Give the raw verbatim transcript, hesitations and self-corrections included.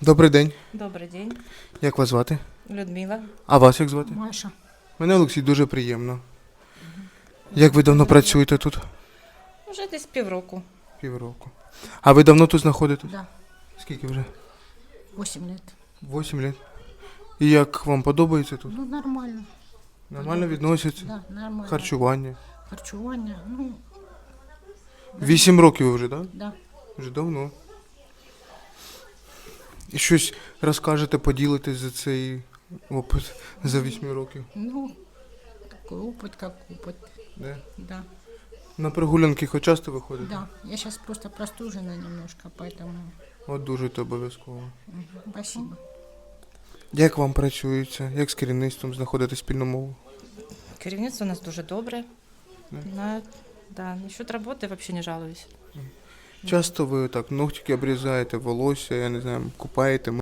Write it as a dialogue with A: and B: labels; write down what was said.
A: Добрий день.
B: Добрий день,
A: Як вас звати?
B: Людмила.
A: А вас як звати?
C: Маша.
A: Мене Олексій, дуже приємно. Як ви давно працюєте тут?
B: Вже десь півроку.
A: Півроку. А ви давно тут знаходитесь?
C: Да,
A: Скільки вже?
C: восемь лет.
A: Вісім років. І як вам подобається тут?
C: Ну, нормально.
A: Нормально відносяться?
C: Да, нормально.
A: Харчування?
C: Харчування, ну,
A: Вісім років ви вже, так?
C: да.
A: Вже давно. І щось розкажете, поділитесь за цей опит за вісім років?
C: Ну, такой опыт, как опыт.
A: Да?
C: Да,
A: На прогулянки хоч часто виходите?
C: да. Я сейчас просто простужена немножко, поэтому
A: От дуже то обов'язково.
C: мгм, спасибо.
A: Як вам працюється? Як з керівництвом знаходити спільну мову?
B: Керівництво у нас дуже добре.
A: Да?
B: На, да, насчет роботи взагалі не жалуюсь.
A: Часто ви так ногтики обрізаєте, волосся, я не знаю, купаєте,